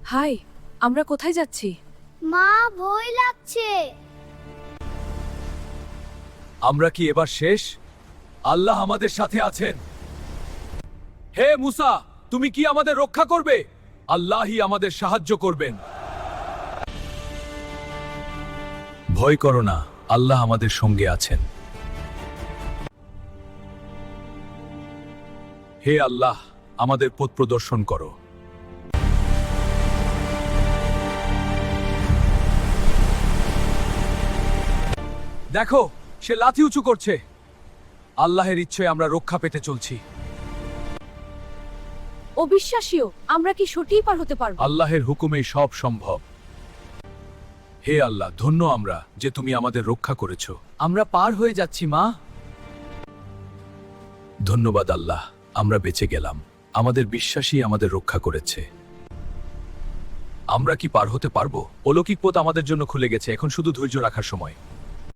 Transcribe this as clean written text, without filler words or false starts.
High, আমরা কোথায় যাচ্ছি? মা, ভয় লাগছে। আমরা কি এবার শেষ? আল্লাহ আমাদের সাথে আছেন। হে মুসা, তুমি কি আমাদের রক্ষা করবে? আল্লাহই আমাদের সাহায্য করবেন। ভয় করো না, আল্লাহ আমাদের সঙ্গে আছেন। হে আল্লাহ, আমাদের পথ প্রদর্শন করো। দেখো, সে লাথি উঁচু করছে। আল্লাহের ইচ্ছায় আমরা রক্ষা পেতে চলছি। অবিশ্বাসীয়, আমরা কি সত্যিই পার হতে পারবো? আল্লাহের হুকুমেই সব সম্ভব। হে আল্লাহ, ধন্য আমরা যে তুমি আমাদের রক্ষা করেছো। আমরা পার হয়ে যাচ্ছি মা। ধন্যবাদ আল্লাহ, আমরা বেঁচে গেলাম। আমাদের বিশ্বাসই আমাদের রক্ষা করেছে। আমরা কি পার হতে পারবো? অলৌকিক পথ আমাদের জন্য খুলে গেছে, এখন শুধু ধৈর্য রাখার সময়।